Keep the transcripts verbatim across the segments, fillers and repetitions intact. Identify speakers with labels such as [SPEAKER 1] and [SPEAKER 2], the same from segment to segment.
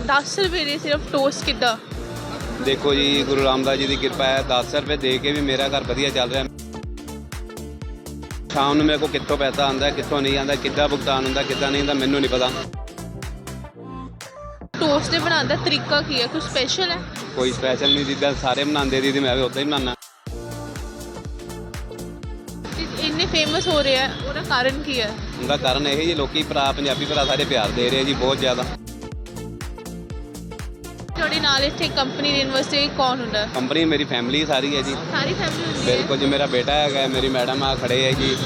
[SPEAKER 1] दस रुपए ਦੇ ਸਿਰਫ ਟੋਸਟ ਕਿੱਦਾਂ?
[SPEAKER 2] देखो जी, गुरु रामदास जी की कृपा है। दस रुपये दे के भी मेरा घर वधिया चल रहा है। शाम ਨੂੰ मेरे को कितों पैसा आंदा, कितों नहीं आंदा, किद्दां भुगतान होंदा, किद्दां नहीं होंदा, मैनू नहीं पता।
[SPEAKER 1] ਟੋਸਟ ਦੇ ਬਣਾਉਣ ਦਾ ਤਰੀਕਾ ਕੀ ਹੈ? ਕੁਝ ਸਪੈਸ਼ਲ ਹੈ?
[SPEAKER 2] कोई स्पैशल नहीं, जिद्दां सारे बनाते दीदी मैं भी उदां ही बनाना।
[SPEAKER 1] ਇੰਨੇ ਫੇਮਸ ਹੋ ਰਿਹਾ ਹੈ, ਉਹਦਾ ਕਾਰਨ ਕੀ ਹੈ?
[SPEAKER 2] ਉਹਦਾ ਕਾਰਨ ਇਹ ਜੀ, ਲੋਕੀ ਭਰਾ ਪੰਜਾਬੀ ਭਰਾ ਸਾਰੇ ਪਿਆਰ ਦੇ ਰਹੇ ਜੀ ਬਹੁਤ ਜ਼ਿਆਦਾ।
[SPEAKER 1] ਤੁਹਾਡੇ ਨਾਲ ਇੱਥੇ ਕੰਪਨੀ ਦੇ ਯੂਨੀਵਰਸਿਟੀ ਕੌਣ ਹੁੰਦਾ?
[SPEAKER 2] ਕੰਪਨੀ ਮੇਰੀ ਫੈਮਿਲੀ ਸਾਰੀ ਹੈ ਜੀ।
[SPEAKER 1] ਸਾਰੀ ਫੈਮਿਲੀ ਹੁੰਦੀ ਹੈ?
[SPEAKER 2] ਬਿਲਕੁਲ ਜੀ, ਮੇਰਾ ਬੇਟਾ ਹੈਗਾ, ਮੇਰੀ ਮੈਡਮ ਆ ਖੜੇ ਹੈ ਜੀ।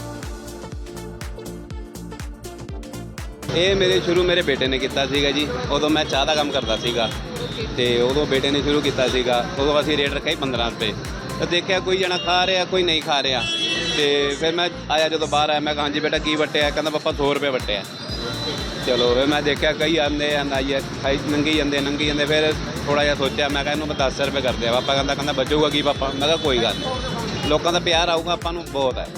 [SPEAKER 2] ਇਹ ਮੇਰੇ ਸ਼ੁਰੂ ਮੇਰੇ ਬੇਟੇ ਨੇ ਕੀਤਾ ਸੀਗਾ ਜੀ। ਉਦੋਂ ਮੈਂ ਚਾਹ ਦਾ ਕੰਮ ਕਰਦਾ ਸੀਗਾ ਤੇ ਉਦੋਂ ਬੇਟੇ ਨੇ ਸ਼ੁਰੂ ਕੀਤਾ ਸੀਗਾ। ਉਦੋਂ ਅਸੀਂ ਰੇਟ ਰੱਖਿਆ ਪੰਦਰਾਂ ਰੁਪਏ। ਤੇ ਦੇਖਿਆ ਕੋਈ ਜਣਾ ਖਾ ਰਿਹਾ, ਕੋਈ ਨਹੀਂ ਖਾ ਰਿਹਾ। ਤੇ ਫਿਰ ਮੈਂ ਆਇਆ, ਜਦੋਂ ਬਾਹਰ ਆਇਆ ਮੈਂ ਕਿਹਾ ਹਾਂਜੀ ਬੇਟਾ ਕੀ ਵਟਿਆ? ਕਹਿੰਦਾ ਪਾਪਾ ਸੌ ਰੁਪਏ ਵਟਿਆ। ਚਲੋ ਫਿਰ ਮੈਂ ਦੇਖਿਆ ਕਈ ਆਉਂਦੇ ਆ ਆਈਏ ਖਾਈ ਨੰਗੀ ਜਾਂਦੇ ਨੰਗੀ ਜਾਂਦੇ। ਫਿਰ ਥੋੜ੍ਹਾ ਜਿਹਾ ਸੋਚਿਆ, ਮੈਂ ਕਿਹਾ ਇਹਨੂੰ ਮੈਂ ਦਸ ਰੁਪਏ ਕਰਦੇ ਆ। ਪਾਪਾ ਕਹਿੰਦਾ ਕਹਿੰਦਾ ਬਚੂਗਾ ਕੀ ਪਾਪਾ? ਮੈਂ ਕਿਹਾ ਕੋਈ ਗੱਲ ਨਹੀਂ, ਲੋਕਾਂ ਦਾ ਪਿਆਰ ਆਊਗਾ ਆਪਾਂ ਨੂੰ ਬਹੁਤ ਹੈ।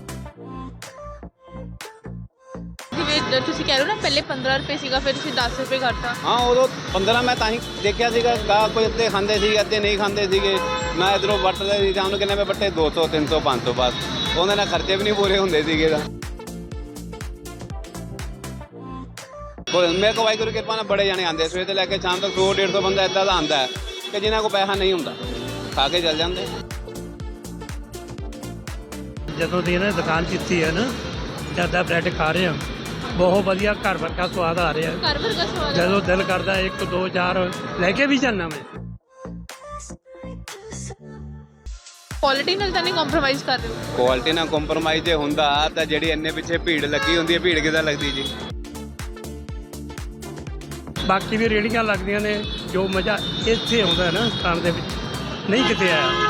[SPEAKER 1] ਜਿਵੇਂ ਤੁਸੀਂ ਕਹਿ ਰਹੇ ਹੋ ਨਾ, ਪਹਿਲੇ ਪੰਦਰਾਂ ਰੁਪਏ ਸੀਗਾ, ਫਿਰ ਤੁਸੀਂ ਦਸ ਰੁਪਏ ਕਰਤਾ।
[SPEAKER 2] ਹਾਂ, ਉਦੋਂ ਪੰਦਰਾਂ ਮੈਂ ਤਾਂ ਹੀ ਦੇਖਿਆ ਸੀਗਾ। ਗਾਹ ਕੋਈ ਅੱਧੇ ਖਾਂਦੇ ਸੀ, ਅੱਧੇ ਨਹੀਂ ਖਾਂਦੇ ਸੀਗੇ। ਮੈਂ ਇੱਧਰੋਂ ਵੱਟਦੇ ਸੀ, ਸ਼ਾਮ ਨੂੰ ਕਿੰਨੇ ਮੈਂ ਵੱਟੇ? ਦੋ ਸੌ ਤਿੰਨ ਸੌ ਪੰਜ ਸੌ ਬਸ। ਉਹਦੇ ਨਾਲ ਖਰਚੇ ਵੀ ਨਹੀਂ ਪੂਰੇ ਹੁੰਦੇ ਸੀਗੇ ਤਾਂ। ਮੇਰੇ ਕੋਲ ਵਾਹਿਗੁਰੂ ਦੀ ਕਿਰਪਾ ਨਾਲ ਬੜੇ ਜਾਣੇ ਆਉਂਦੇ, ਸਵੇਰ ਤੋਂ ਲੈ ਕੇ ਸ਼ਾਮ ਤੱਕ ਸੌ ਡੇਢ ਸੌ ਬੰਦਾ ਇੱਦਾਂ ਦਾ ਆਉਂਦਾ ਹੈ ਕਿ ਜਿਨ੍ਹਾਂ ਕੋਲ ਪੈਸਾ ਨਹੀਂ ਹੁੰਦਾ, ਖਾ ਕੇ ਚੱਲ ਜਾਂਦੇ।
[SPEAKER 3] ਜਦੋਂ ਦੀ ਇਹਨਾਂ ਨੇ ਦੁਕਾਨ ਕੀਤੀ ਹੈ ਨਾ, ਜ਼ਿਆਦਾ ਬ੍ਰੈਡ ਖਾ ਰਹੇ ਹਾਂ, ਬਹੁਤ ਵਧੀਆ ਘਰ ਵਰਗਾ ਸਵਾਦ ਆ ਰਿਹਾ।
[SPEAKER 1] ਘਰ ਵਰਗਾ ਸਵਾਦ?
[SPEAKER 3] ਜਦੋਂ ਦਿਲ ਕਰਦਾ ਇੱਕ ਦੋ ਚਾਰ ਲੈ ਕੇ ਵੀ ਜਾਂਦਾ ਮੈਂ।
[SPEAKER 1] ਕੁਆਲਿਟੀ ਨਾਲ ਤਾਂ ਨਹੀਂ ਕੰਪਰੋਮਾਈਜ਼ ਕਰ ਰਹੇ ਹੋ?
[SPEAKER 2] ਕੁਆਲਿਟੀ ਨਾਲ ਕੰਪਰੋਮਾਈਜ਼ ਜੇ ਹੁੰਦਾ ਤਾਂ ਜਿਹੜੀ ਇੰਨੇ ਪਿੱਛੇ ਭੀੜ ਲੱਗੀ ਹੁੰਦੀ ਹੈ, ਭੀੜ ਕਿੱਦਾਂ ਲੱਗਦੀ ਜੀ?
[SPEAKER 3] ਬਾਕੀ ਵੀ ਰੇਹੜੀਆਂ ਲੱਗਦੀਆਂ ਨੇ, ਜੋ ਮਜ਼ਾ ਇੱਥੇ ਆਉਂਦਾ ਨਾ ਖਾਣ ਦੇ ਵਿੱਚ ਨਹੀਂ ਕਿਤੇ ਆਇਆ।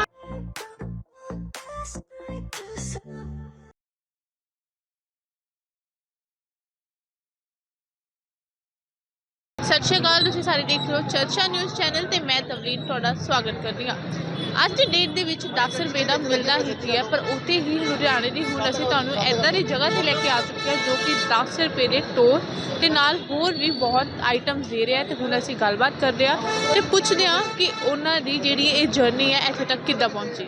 [SPEAKER 1] ਸਤਿ ਸ਼੍ਰੀ ਅਕਾਲ, ਤੁਸੀਂ ਸਾਰੇ ਦੇਖ ਰਹੇ ਹੋ ਚਰਚਾ ਨਿਊਜ਼ ਚੈਨਲ ਤੇ ਮੈਂ ਤਵਲੀਨ ਤੁਹਾਡਾ ਸਵਾਗਤ ਕਰਦੀ ਹਾਂ। ਅੱਜ ਦੀ ਡੇਟ ਦੇ ਵਿੱਚ ਦਸ ਰੁਪਏ ਦਾ ਮਿਲਦਾ ਹੀ ਕੀ ਹੈ, ਪਰ ਉੱਥੇ ਹੀ ਲੁਧਿਆਣੇ ਦੀ ਹੁਣ ਅਸੀਂ ਤੁਹਾਨੂੰ ਇੱਦਾਂ ਦੀ ਜਗ੍ਹਾ 'ਤੇ ਲੈ ਕੇ ਆ ਚੁੱਕੇ ਹਾਂ ਜੋ ਕਿ ਦਸ ਰੁਪਏ ਦੇ ਟੋਸਟ ਦੇ ਨਾਲ ਹੋਰ ਵੀ ਬਹੁਤ ਆਈਟਮਸ ਦੇ ਰਿਹਾ। ਅਤੇ ਹੁਣ ਅਸੀਂ ਗੱਲਬਾਤ ਕਰਦੇ ਹਾਂ ਅਤੇ ਪੁੱਛਦੇ ਹਾਂ ਕਿ ਉਹਨਾਂ ਦੀ ਜਿਹੜੀ ਇਹ ਜਰਨੀ ਹੈ ਇੱਥੇ ਤੱਕ ਕਿੱਦਾਂ ਪਹੁੰਚੀ।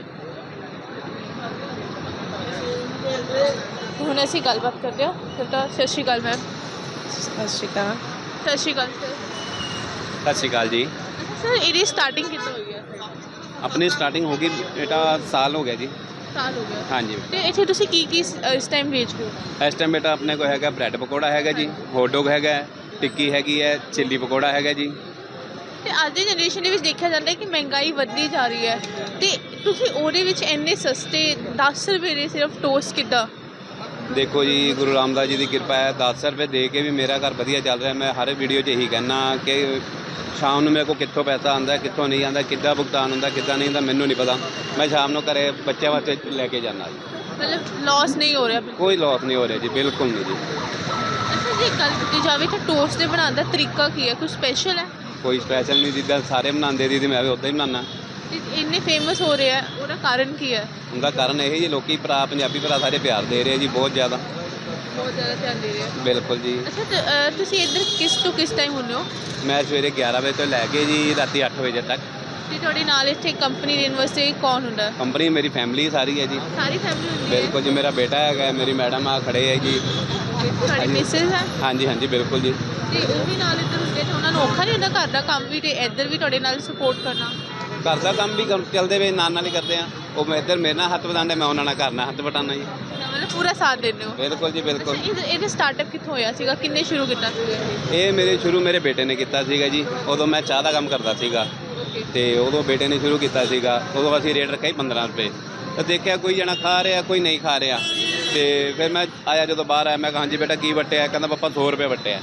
[SPEAKER 1] ਹੁਣ ਅਸੀਂ ਗੱਲਬਾਤ ਕਰਦੇ ਹਾਂ। ਤਾਂ ਸਤਿ ਸ਼੍ਰੀ ਅਕਾਲ ਮੈਮ।
[SPEAKER 4] ਸਤਿ ਸ਼੍ਰੀ ਅਕਾਲ।
[SPEAKER 1] ਸਤਿ ਸ਼੍ਰੀ ਅਕਾਲ ਸਰ।
[SPEAKER 2] ਸਤਿ ਸ਼੍ਰੀ ਅਕਾਲ ਜੀ।
[SPEAKER 1] ਸਰ, ਇਹਦੀ ਸਟਾਰਟਿੰਗ ਕਿੱਦਾਂ ਹੋਈ ਹੈ?
[SPEAKER 2] ਆਪਣੀ ਸਟਾਰਟਿੰਗ ਹੋ ਗਈ ਬੇਟਾ ਸਾਲ ਹੋ ਗਿਆ ਜੀ।
[SPEAKER 1] ਸਾਲ ਹੋ ਗਿਆ?
[SPEAKER 2] ਹਾਂਜੀ।
[SPEAKER 1] ਤੇ ਇੱਥੇ ਤੁਸੀਂ ਕੀ ਕੀ ਇਸ ਟਾਈਮ ਵੇਚ ਰਹੇ ਹੋ?
[SPEAKER 2] ਇਸ ਟਾਈਮ ਬੇਟਾ ਆਪਣੇ ਕੋਲ ਹੈਗਾ ਬ੍ਰੈਡ ਪਕੌੜਾ ਹੈਗਾ ਜੀ, ਹੌਟ ਡੌਗ ਹੈਗਾ, ਟਿੱਕੀ ਹੈਗੀ ਹੈ, ਚਿੱਲੀ ਪਕੌੜਾ ਹੈਗਾ ਜੀ।
[SPEAKER 1] ਤੇ ਅੱਜ ਦੀ ਜਨਰੇਸ਼ਨ ਦੇ ਵਿੱਚ ਦੇਖਿਆ ਜਾਂਦਾ ਹੈ ਕਿ ਮਹਿੰਗਾਈ ਵੱਧਦੀ ਜਾ ਰਹੀ ਹੈ, ਤੇ ਤੁਸੀਂ ਉਹਦੇ ਵਿੱਚ ਇੰਨੇ ਸਸਤੇ ਦਸ ਰੁਪਏ ਦੇ ਸਿਰਫ ਟੋਸਟ ਕਿੱਦਾਂ?
[SPEAKER 2] ਦੇਖੋ ਜੀ, ਗੁਰੂ ਰਾਮਦਾਸ ਜੀ ਦੀ ਕਿਰਪਾ ਹੈ। ਦਸ ਰੁਪਏ ਦੇ ਕੇ ਵੀ ਮੇਰਾ ਘਰ ਵਧੀਆ ਚੱਲ ਰਿਹਾ। ਮੈਂ ਹਰ ਵੀਡੀਓ 'ਚ ਇਹੀ ਕਹਿੰਦਾ ਕਿ ਸ਼ਾਮ ਨੂੰ ਮੇਰੇ ਕੋਲ ਕਿੱਥੋਂ ਪੈਸਾ ਆਉਂਦਾ, ਕਿੱਥੋਂ ਨਹੀਂ ਆਉਂਦਾ, ਕਿੱਦਾਂ ਭੁਗਤਾਨ ਹੁੰਦਾ, ਕਿੱਦਾਂ ਨਹੀਂ ਹੁੰਦਾ, ਮੈਨੂੰ ਨਹੀਂ ਪਤਾ। ਮੈਂ ਸ਼ਾਮ ਨੂੰ ਘਰੇ ਬੱਚਿਆਂ ਵਾਸਤੇ ਲੈ ਕੇ ਜਾਂਦਾ ਜੀ।
[SPEAKER 1] ਮਤਲਬ ਲਾਸ ਨਹੀਂ ਹੋ ਰਿਹਾ?
[SPEAKER 2] ਕੋਈ ਲਾਸ ਨਹੀਂ ਹੋ ਰਿਹਾ ਜੀ, ਬਿਲਕੁਲ ਨਹੀਂ ਜੀ।
[SPEAKER 1] ਅੱਛਾ, ਜੇ ਗੱਲ ਕੀਤੀ ਜਾਵੇ ਤਾਂ ਟੋਸਟ ਦੇ ਬਣਾਉਣ ਦਾ ਤਰੀਕਾ ਕੀ ਹੈ? ਕੁਝ ਸਪੈਸ਼ਲ ਹੈ?
[SPEAKER 2] ਕੋਈ ਸਪੈਸ਼ਲ ਨਹੀਂ, ਜਿੱਦਾਂ ਸਾਰੇ ਬਣਾਉਂਦੇ ਦੀਦੀ ਮੈਂ ਵੀ ਉੱਦਾਂ ਹੀ ਬਣਾਉਣਾ।
[SPEAKER 1] ਤੇ ਇੰਨੇ ਫੇਮਸ ਹੋ ਰਿਹਾ ਹੈ, ਉਹਦਾ ਕਾਰਨ ਕੀ ਹੈ?
[SPEAKER 2] ਉਹਦਾ ਕਾਰਨ ਇਹ ਜੀ, ਲੋਕੀ ਭਰਾ ਪੰਜਾਬੀ ਭਰਾ ਸਾਰੇ ਪਿਆਰ ਦੇ ਰਹੇ ਜੀ ਬਹੁਤ ਜ਼ਿਆਦਾ।
[SPEAKER 1] ਬਹੁਤ ਜ਼ਿਆਦਾ ਧਿਆਨ ਦੇ ਰਹੇ ਹੋ?
[SPEAKER 2] ਬਿਲਕੁਲ ਜੀ।
[SPEAKER 1] ਅੱਛਾ, ਤੇ, ਅ, ਤੁਸੀਂ ਇੱਧਰ ਕਿਸ ਤੋਂ ਕਿਸ ਟਾਈਮ ਹੁੰਦੇ ਹੋ?
[SPEAKER 2] ਮੈਂ ਸਵੇਰੇ ਗਿਆਰਾਂ ਵਜੇ ਤੋਂ ਲੈ ਕੇ ਜੀ ਰਾਤੀ ਅੱਠ ਵਜੇ ਤੱਕ।
[SPEAKER 1] ਤੇ ਤੁਹਾਡੇ ਨਾਲ ਇੱਥੇ ਕੰਪਨੀ ਦੇ ਯੂਨੀਵਰਸਿਟੀ ਕੌਣ ਹੁੰਦਾ?
[SPEAKER 2] ਕੰਪਨੀ ਮੇਰੀ ਫੈਮਿਲੀ ਸਾਰੀ ਹੈ ਜੀ।
[SPEAKER 1] ਸਾਰੀ ਫੈਮਿਲੀ ਹੁੰਦੀ ਹੈ?
[SPEAKER 2] ਬਿਲਕੁਲ ਜੀ, ਮੇਰਾ ਬੇਟਾ ਹੈਗਾ, ਮੇਰੀ ਮੈਡਮ ਆ ਖੜੇ ਹੈ ਜੀ।
[SPEAKER 1] ਤੁਹਾਡੀ ਮਿਸਿਸ ਹੈ?
[SPEAKER 2] ਹਾਂਜੀ ਹਾਂਜੀ ਬਿਲਕੁਲ ਜੀ।
[SPEAKER 1] ਤੇ ਉਹ ਵੀ ਨਾਲ ਇੱਧਰ ਹੁੰਦੇ, ਤੇ ਉਹਨਾਂ ਨੂੰ ਔਖਾ ਨਹੀਂ ਹੁੰਦਾ ਘਰ ਦਾ ਕੰਮ ਵੀ ਤੇ ਇੱਧਰ ਵੀ ਤੁਹਾਡੇ ਨਾਲ ਸਪੋਰਟ ਕਰਨਾ?
[SPEAKER 2] ਘਰ ਦਾ ਕੰਮ ਵੀ ਕਰ- ਚੱਲਦੇ ਵੇ ਨਾਲ ਨਾਲ ਹੀ ਕਰਦੇ ਆ। ਉਹ ਮੈਂ ਇੱਧਰ ਮੇਰੇ ਨਾਲ ਹੱਥ ਵਟਾਉਂਦੇ, ਮੈਂ ਉਹਨਾਂ ਨਾਲ ਘਰ ਨਾਲ ਹੱਥ ਵਟਾਉਣਾ ਜੀ।
[SPEAKER 1] ਮਤਲਬ ਪੂਰਾ ਸਾਥ ਦਿੰਦੇ ਹੋ?
[SPEAKER 2] ਬਿਲਕੁਲ ਜੀ ਬਿਲਕੁਲ।
[SPEAKER 1] ਅੱਛਾ, ਇਹ- ਇਹਦਾ ਸਟਾਰਟਅਪ ਕਿੱਥੋਂ ਹੋਇਆ ਸੀਗਾ? ਕਿੰਨੇ ਸ਼ੁਰੂ ਕੀਤਾ ਸੀਗਾ ਇਹ?
[SPEAKER 2] ਇਹ ਮੇਰੇ ਸ਼ੁਰੂ ਮੇਰੇ ਬੇਟੇ ਨੇ ਕੀਤਾ ਸੀਗਾ ਜੀ। ਉਦੋਂ ਮੈਂ ਚਾਹ ਦਾ ਕੰਮ ਕਰਦਾ ਸੀਗਾ ਤੇ ਉਦੋਂ ਬੇਟੇ ਨੇ ਸ਼ੁਰੂ ਕੀਤਾ ਸੀਗਾ। ਉਦੋਂ ਅਸੀਂ ਰੇਟ ਰੱਖਿਆ ਪੰਦਰਾਂ ਰੁਪਏ। ਤਾਂ ਦੇਖਿਆ ਕੋਈ ਜਣਾ ਖਾ ਰਿਹਾ, ਕੋਈ ਨਹੀਂ ਖਾ ਰਿਹਾ। ਤੇ ਫਿਰ ਮੈਂ ਆਇਆ, ਜਦੋਂ ਬਾਹਰ ਆਇਆ ਮੈਂ ਕਿਹਾ ਹਾਂਜੀ ਬੇਟਾ ਕੀ ਵਟਿਆ? ਕਹਿੰਦਾ ਪਾਪਾ ਸੌ ਰੁਪਏ ਵਟਿਆ।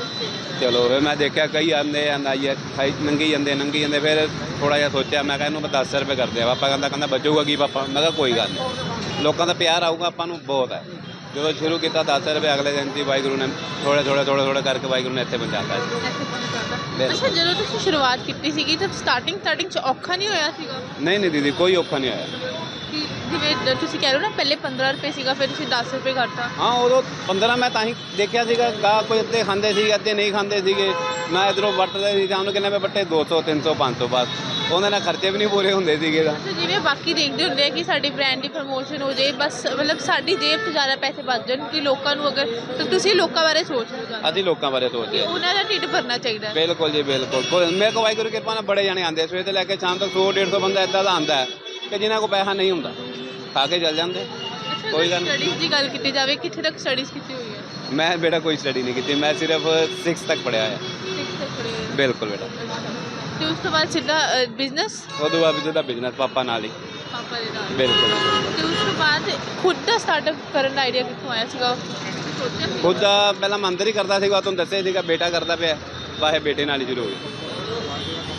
[SPEAKER 2] ਚਲੋ ਫਿਰ ਮੈਂ ਦੇਖਿਆ ਕਈ ਆਉਂਦੇ ਆਈਏ ਖਾਈ ਨੰਗੀ ਜਾਂਦੇ ਨੰਗੀ ਜਾਂਦੇ। ਫਿਰ ਥੋੜ੍ਹਾ ਜਿਹਾ ਸੋਚਿਆ, ਮੈਂ ਕਿਹਾ ਇਹਨੂੰ ਮੈਂ ਦਸ ਰੁਪਏ ਕਰਦੇ ਆ। ਪਾਪਾ ਕਹਿੰਦਾ ਕਹਿੰਦਾ ਬਚੂਗਾ ਕੀ ਪਾਪਾ? ਮੈਂ ਕਿਹਾ ਕੋਈ ਗੱਲ ਨਹੀਂ, ਲੋਕਾਂ ਦਾ ਪਿਆਰ ਆਊਗਾ ਆਪਾਂ ਨੂੰ ਬਹੁਤ ਹੈ। ਜਦੋਂ ਸ਼ੁਰੂ ਕੀਤਾ ਦਸ ਰੁਪਏ, ਅਗਲੇ ਦਿਨ ਦੀ ਵਾਹਿਗੁਰੂ ਨੇ ਥੋੜ੍ਹੇ ਥੋੜ੍ਹੇ ਥੋੜ੍ਹੇ ਥੋੜ੍ਹੇ ਕਰਕੇ ਵਾਹਿਗੁਰੂ ਨੇ ਇੱਥੇ ਪਹੁੰਚਾਤਾ ਜੀ।
[SPEAKER 1] ਅੱਛਾ, ਜਦੋਂ ਤੁਸੀਂ ਸ਼ੁਰੂਆਤ ਕੀਤੀ ਸੀਗੀ ਤਾਂ ਸਟਾਰਟਿੰਗ ਸਟਾਰਟਿੰਗ 'ਚ ਔਖਾ ਨਹੀਂ ਹੋਇਆ ਸੀਗਾ?
[SPEAKER 2] ਨਹੀਂ ਨਹੀਂ ਦੀਦੀ, ਕੋਈ ਔਖਾ ਨਹੀਂ ਹੋਇਆ।
[SPEAKER 1] ਕਿ ਜਿਵੇਂ ਤੁਸੀਂ ਕਹਿ ਰਹੇ ਹੋ ਨਾ ਪਹਿਲੇ ਪੰਦਰਾਂ ਰੁਪਏ ਸੀਗਾ ਫਿਰ ਤੁਸੀਂ ਦਸ ਰੁਪਏ ਕਰਤਾ।
[SPEAKER 2] ਹਾਂ ਉਦੋਂ ਪੰਦਰਾਂ ਮੈਂ ਤਾਂ ਹੀ ਦੇਖਿਆ ਸੀਗਾ ਗਾ ਕੋਈ ਅੱਧੇ ਖਾਂਦੇ ਸੀਗੇ ਅੱਧੇ ਨਹੀਂ ਖਾਂਦੇ ਸੀਗੇ। ਮੈਂ ਇੱਧਰੋਂ ਵੱਟਦੇ ਸੀ ਜਾਂ ਉਹਨੂੰ ਕਿੰਨੇ ਮੈਂ ਵੱਟੇ ਦੋ ਸੌ ਤਿੰਨ ਸੌ ਪੰਜ ਸੌ ਬਸ ਉਹਦੇ ਨਾਲ ਖਰਚੇ ਵੀ ਨਹੀਂ ਪੂਰੇ ਹੁੰਦੇ ਸੀਗੇ ਤਾਂ।
[SPEAKER 1] ਅੱਛਾ, ਜਿਵੇਂ ਬਾਕੀ ਦੇਖਦੇ ਹੁੰਦੇ ਆ ਕਿ ਸਾਡੀ ਬ੍ਰਾਂਡ ਦੀ ਪ੍ਰਮੋਸ਼ਨ ਹੋ ਜਾਏ ਬਸ ਮਤਲਬ ਸਾਡੀ ਜੇਬ 'ਚ ਜ਼ਿਆਦਾ ਪੈਸੇ ਬਚ ਜਾਣ ਕਿ ਲੋਕਾਂ ਨੂੰ ਅਗਰ ਤਾਂ ਤੁਸੀਂ ਲੋਕਾਂ ਬਾਰੇ ਸੋਚ ਰਹੇ ਹੋ ਜ਼ਿਆਦਾ
[SPEAKER 2] ਅਸੀਂ ਲੋਕਾਂ ਬਾਰੇ ਸੋਚਦੇ ਹਾਂ।
[SPEAKER 1] ਉਹਨਾਂ ਦਾ ਢਿੱਡ ਭਰਨਾ ਚਾਹੀਦਾ ਹੈ।
[SPEAKER 2] ਬਿਲਕੁਲ ਜੀ ਬਿਲਕੁਲ ਕੋਈ ਮੇਰੇ ਕੋਲ ਵਾਹਿਗੁਰੂ ਦੀ ਕਿਰਪਾ ਨਾਲ ਬੜੇ ਜਾਣੇ ਆਉਂਦੇ ਸਵੇਰ ਤੋਂ ਲੈ ਕੇ ਸ਼ਾਮ ਤੱਕ ਸੌ ਡੇਢ ਸੌ ਬੰਦਾ ਇੱਦਾਂ ਦਾ ਆਉਂਦਾ ਹੈ ਕਿ ਜਿਨ੍ਹਾਂ ਕੋਲ ਪੈਸਾ ਨਹੀਂ ਹੁੰਦਾ ਖਾ ਕੇ ਚੱਲ ਜਾਂਦੇ। ਕੋਈ ਗੱਲ ਨਹੀਂ।
[SPEAKER 1] ਸਟੱਡੀਜ਼ ਦੀ ਗੱਲ ਕੀਤੀ ਜਾਵੇ ਕਿੱਥੇ ਤੱਕ ਸਟੱਡੀਜ਼ ਕੀਤੀ ਹੋਈ ਹੈ?
[SPEAKER 2] ਮੈਂ ਬੇਟਾ ਕੋਈ ਸਟੱਡੀ ਨਹੀਂ ਕੀਤੀ ਮੈਂ ਸਿਰਫ ਸਿਕਸ ਤੱਕ ਪੜ੍ਹਿਆ ਹੋਇਆ।
[SPEAKER 1] Sixth ਤੱਕ ਪੜ੍ਹੇ ਹੋਏ ਹੋ।
[SPEAKER 2] ਬਿਲਕੁਲ ਬੇਟਾ।
[SPEAKER 1] ਤੇ ਉਸ ਤੋਂ ਬਾਅਦ ਸਿੱਧਾ ਬਿਜ਼ਨਸ
[SPEAKER 2] ਉਦੋਂ ਬਾਅਦ ਜਿਹਦਾ ਬਿਜ਼ਨਸ ਪਾਪਾ ਨਾਲ ਹੀ।
[SPEAKER 1] ਪਾਪਾ ਦੇ ਨਾਲ।
[SPEAKER 2] ਬਿਲਕੁਲ।
[SPEAKER 1] ਤੇ ਉਸ ਤੋਂ ਬਾਅਦ ਖੁਦ ਦਾ ਸਟਾਰਟਅਪ ਕਰਨ ਦਾ ਆਈਡੀਆ ਕਿੱਥੋਂ ਆਇਆ ਸੀਗਾ? ਸੋਚਿਆ ਸੀ?
[SPEAKER 2] ਖੁਦ ਦਾ ਪਹਿਲਾਂ ਮੰਦਰ ਹੀ ਕਰਦਾ ਸੀਗਾ ਤੁਹਾਨੂੰ ਦੱਸਿਆ ਸੀਗਾ ਬੇਟਾ ਕਰਦਾ ਪਿਆ ਵਾਹੇ ਬੇਟੇ ਨਾਲ ਹੀ ਸ਼ੁਰੂ ਹੋ ਗਿਆ।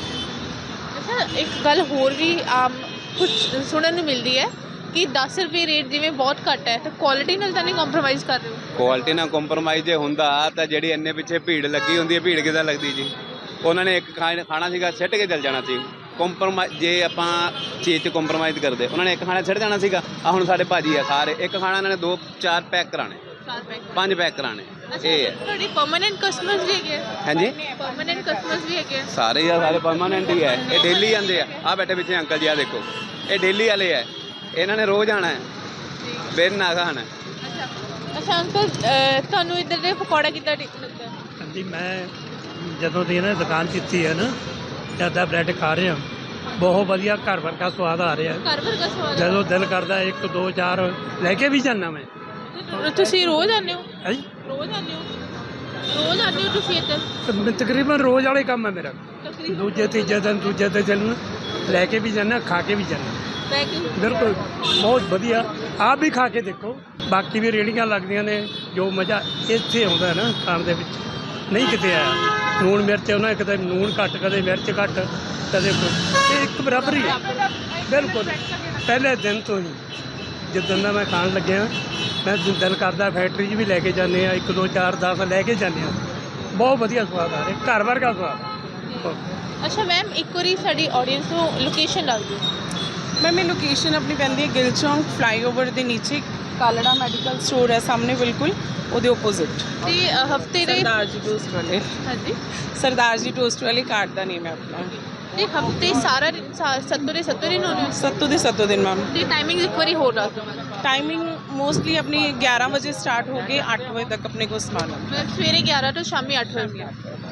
[SPEAKER 1] ਅੱਛਾ, ਇੱਕ ਗੱਲ ਹੋਰ ਵੀ ਆਮ ਕੁਝ ਸੁਣਨ ਨੂੰ ਮਿਲਦੀ ਹੈ ਕਿ ਦਸ ਰੁਪਏ ਰੇਟ ਜਿਵੇਂ ਬਹੁਤ ਘੱਟ ਹੈ ਤਾਂ ਕੁਆਲਿਟੀ ਨਾਲ ਤਾਂ ਨਹੀਂ ਕੰਪਰੋਮਾਈਜ਼ ਕਰ ਰਹੇ ਹੋ?
[SPEAKER 2] ਕੁਆਲਿਟੀ ਨਾਲ ਕੰਪਰੋਮਾਈਜ਼ ਜੇ ਹੁੰਦਾ ਤਾਂ ਜਿਹੜੀ ਇੰਨੇ ਪਿੱਛੇ ਭੀੜ ਲੱਗੀ ਹੁੰਦੀ ਹੈ ਭੀੜ ਕਿੱਦਾਂ ਲੱਗਦੀ ਜੀ। ਉਹਨਾਂ ਨੇ ਇੱਕ ਖਾ- ਖਾਣਾ ਸੀਗਾ ਸਿੱਟ ਕੇ ਚੱਲ ਜਾਣਾ ਸੀ। ਕੰਪਰੋਮਾਈਜ਼ ਜੇ ਆਪਾਂ ਚੀਜ਼ 'ਚ ਕੰਪਰੋਮਾਈਜ਼ ਕਰਦੇ ਉਹਨਾਂ ਨੇ ਇੱਕ ਖਾਣਾ ਸਿੱਟ ਜਾਣਾ ਸੀਗਾ। ਆ ਹੁਣ ਸਾਡੇ ਭਾਜੀ ਆ ਖਾ ਰਹੇ ਇੱਕ ਖਾਣਾ ਇਹਨਾਂ ਨੇ ਦੋ ਚਾਰ ਪੈਕ ਕਰਾਣੇ
[SPEAKER 1] ਚਾਰ ਪੈਕ।
[SPEAKER 2] ਪੰਜ ਪੈਕ ਕਰਾਣੇ ਇਹ ਹੈ।
[SPEAKER 1] ਤੁਹਾਡੀ ਪਰਮਾਨੈਂਟ ਕਸਟਮਰਸ ਵੀ ਹੈਗੇ?
[SPEAKER 2] ਹਾਂਜੀ
[SPEAKER 1] ਪਰਮਾਨੈਂਟ ਕਸਟਮਰਸ ਵੀ ਹੈਗੇ?
[SPEAKER 2] ਸਾਰੇ ਹੀ ਆ ਸਾਰੇ ਪਰਮਾਨੈਂਟ ਹੀ ਹੈ। ਇਹ ਡੇਲੀ ਆਉਂਦੇ ਆ ਆ ਬੈਠੇ ਪਿੱਛੇ ਅੰਕਲ ਜੀ ਆ ਦੇਖੋ ਇਹ ਡੇਲੀ ਵਾਲੇ ਹੈ। ਇਹਨਾਂ ਨੇ ਰੋਜ਼ ਆਉਣਾ ਹੈ ਬਿਨ ਨਾ ਖਾਣਾ।
[SPEAKER 1] ਅੱਛਾ ਅੱਛਾ ਅੰਕਲ ਅਹ, ਤੁਹਾਨੂੰ ਇੱਧਰ ਦੇ ਪਕੌੜਾ ਕਿੱਦਾਂ ਠੀਕ ਲੱਗਦਾ?
[SPEAKER 3] ਹਾਂਜੀ ਮੈਂ ਜਦੋਂ ਦੀ ਇਹਨਾਂ ਨੇ ਦੁਕਾਨ ਕੀਤੀ ਹੈ ਨਾ ਜ਼ਿਆਦਾ ਬ੍ਰੈਡ ਖਾ ਰਹੇ ਹਾਂ ਬਹੁਤ ਵਧੀਆ ਘਰ ਵਰਗਾ ਸਵਾਦ ਆ ਰਿਹਾ।
[SPEAKER 1] ਘਰ ਵਰਗਾ ਸਵਾਦ ਹੈ?
[SPEAKER 3] ਜਦੋਂ ਦਿਲ ਕਰਦਾ ਇੱਕ ਦੋ ਚਾਰ ਲੈ ਕੇ ਵੀ ਜਾਂਦਾ ਮੈਂ।
[SPEAKER 1] ਤੇ ਤੁਸੀਂ ਰੋਜ਼ ਆਉਂਦੇ ਹੋ?
[SPEAKER 3] ਹੈ ਜੀ
[SPEAKER 1] ਰੋਜ਼ ਆਉਂਦੇ ਹੋ? ਰੋਜ਼ ਆਉਂਦੇ ਹੋ ਤੁਸੀਂ ਇੱਧਰ?
[SPEAKER 3] ਤਕ- ਤਕਰੀਬਨ ਰੋਜ਼ ਵਾਲੇ ਕੰਮ ਹੈ ਮੇਰਾ।
[SPEAKER 1] ਤਕਰੀਬਨ
[SPEAKER 3] ਦੂਜੇ ਤੀਜੇ ਦਿਨ ਦੂਜੇ ਤੇ ਚੱਲਣ ਲੈ ਕੇ ਵੀ ਜਾਂਦਾ ਖਾ ਕੇ ਵੀ ਜਾਂਦਾ।
[SPEAKER 1] ਬੈਕ
[SPEAKER 3] ਬਿਲਕੁਲ ਬਹੁਤ ਵਧੀਆ ਆਪ ਵੀ ਖਾ ਕੇ ਦੇਖੋ। ਬਾਕੀ ਵੀ ਰੇਹੜੀਆਂ ਲੱਗਦੀਆਂ ਨੇ ਜੋ ਮਜ਼ਾ ਇੱਥੇ ਆਉਂਦਾ ਨਾ ਖਾਣ ਦੇ ਵਿੱਚ ਨਹੀਂ ਕਿਤੇ ਆਇਆ। ਲੂਣ ਮਿਰਚ ਉਹਨਾਂ ਨੇ ਕਦੇ ਲੂਣ ਘੱਟ ਕਦੇ ਮਿਰਚ ਘੱਟ ਕਦੇ ਕੁਛ। ਇਹ ਇੱਕ ਬਰਾਬਰ ਹੀ ਹੈ ਬਿਲਕੁਲ। ਪਹਿਲੇ ਦਿਨ ਤੋਂ ਹੀ ਜਿੱਦਣ ਦਾ ਮੈਂ ਖਾਣ ਲੱਗਿਆ ਮੈਂ ਦਿਲ ਕਰਦਾ ਫੈਕਟਰੀ 'ਚ ਵੀ ਲੈ ਕੇ ਜਾਂਦੇ ਆ ਇੱਕ ਦੋ ਚਾਰ ਦਸ ਲੈ ਕੇ ਜਾਂਦੇ ਆ। ਬਹੁਤ ਵਧੀਆ ਸਵਾਦ ਆ ਰਿਹਾ ਘਰ ਵਰਗਾ ਸਵਾਦ।
[SPEAKER 1] ਅੱਛਾ ਮੈਮ ਇੱਕ ਵਾਰੀ ਸਾਡੀ ਆਡੀਅנס ਨੂੰ ਲੋਕੇਸ਼ਨ ਦੱਸ ਦਿਓ।
[SPEAKER 4] ਮੈਮ ਇਹ ਲੋਕੇਸ਼ਨ ਆਪਣੀ ਪੈਂਦੀ ਹੈ ਗਿੱਲ ਚੌਂਕ ਫਲਾਈਓਵਰ ਦੇ ਨੀਚੇ ਕਾਲੜਾ ਮੈਡੀਕਲ ਸਟੋਰ ਹੈ ਸਾਹਮਣੇ ਬਿਲਕੁਲ ਉਹਦੇ ਆਪੋਜ਼ਿਟ।
[SPEAKER 1] ਤੇ ਹਫਤੇ ਦੇ
[SPEAKER 4] ਸਰਦਾਰ ਜੀ ਟੋਸਟ ਵਾਲੇ
[SPEAKER 1] ਹਾਂਜੀ
[SPEAKER 4] ਸਰਦਾਰ ਜੀ ਟੋਸਟ ਵਾਲੇ ਕਾਰਡ ਦਾ ਨੇਮ ਹੈ ਆਪਣਾ।
[SPEAKER 1] ਤੇ ਹਫਤੇ ਸਾਰਾ ਦਿਨ ਸਾ- ਸੱਤੋਂ ਦੇ ਸੱਤੋਂ ਦਿਨ ਹੋਣੇ?
[SPEAKER 4] ਸੱਤੋਂ ਦੇ ਸੱਤੋਂ ਦਿਨ ਮੈਮ।
[SPEAKER 1] ਤੇ ਟਾਈਮਿੰਗ ਇੱਕ ਵਾਰੀ ਹੋਰ ਦੱਸ ਦਿਓ ਮੈਨੂੰ।
[SPEAKER 4] ਟਾਈਮਿੰਗ ਮੋਸਟਲੀ ਆਪਣੀ ਗਿਆਰਾਂ ਵਜੇ ਸਟਾਰਟ ਹੋ ਕੇ ਅੱਠ ਵਜੇ ਤੱਕ ਆਪਣੇ ਕੋਲ ਸਮਾਨ ਆਉਂਦਾ।
[SPEAKER 1] ਮਤਲਬ ਸਵੇਰੇ ਗਿਆਰਾਂ ਤੋਂ ਸ਼ਾਮੀ ਅੱਠ ਵਜੇ।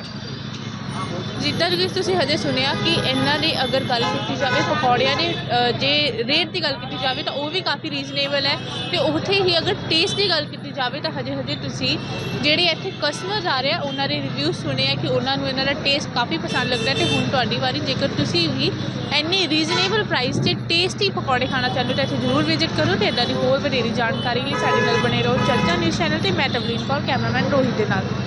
[SPEAKER 1] ਜਿੱਦਾਂ ਕਿ ਤੁਸੀਂ ਹਜੇ ਸੁਣਿਆ ਕਿ ਇਹਨਾਂ ਦੀ ਅਗਰ ਗੱਲ ਕੀਤੀ ਜਾਵੇ ਪਕੌੜਿਆਂ ਦੇ ਅ, ਜੇ ਰੇਟ ਦੀ ਗੱਲ ਕੀਤੀ ਜਾਵੇ ਤਾਂ ਉਹ ਵੀ ਕਾਫੀ ਰੀਜ਼ਨੇਬਲ ਹੈ। ਤੇ ਉੱਥੇ ਹੀ ਅਗਰ ਟੇਸਟ ਦੀ ਗੱਲ ਕੀਤੀ ਜਾਵੇ ਤਾਂ ਹਜੇ ਹਜੇ ਤੁਸੀਂ ਜਿਹੜੇ ਇੱਥੇ ਕਸਟਮਰਸ ਆ ਰਹੇ ਆ ਉਹਨਾਂ ਦੇ ਰਿਵਿਊ ਸੁਣੇ ਆ ਕਿ ਉਹਨਾਂ ਨੂੰ ਇਹਨਾਂ ਦਾ ਟੇਸਟ ਕਾਫੀ ਪਸੰਦ ਲੱਗਦਾ। ਤੇ ਹੁਣ ਤੁਹਾਡੀ ਵਾਰੀ ਜੇਕਰ ਤੁਸੀਂ ਵੀ ਇੰਨੀ ਰੀਜ਼ਨੇਬਲ ਪ੍ਰਾਈਸ 'ਤੇ ਟੇਸਟੀ ਪਕੌੜੇ ਖਾਣਾ ਚਾਹੁੰਦੇ ਹੋ ਤਾਂ ਇੱਥੇ ਜ਼ਰੂਰ ਵਿਜ਼ਿਟ ਕਰੋ। ਤੇ ਇੱਦਾਂ ਦੀ ਹੋਰ ਵਧੇਰੀ ਜਾਣਕਾਰੀ ਲਈ ਸਾਡੇ ਨਾਲ ਬਣੇ ਰਹੋ ਚਰਚਾ ਨਿਊਜ਼ ਚੈਨਲ ਤੇ। ਮੈਂ ਤਵਲੀਨ ਕੌਰ ਕੈਮਰਾਮੈਨ ਰੋਹਿਤ ਦੇ ਨਾਲ।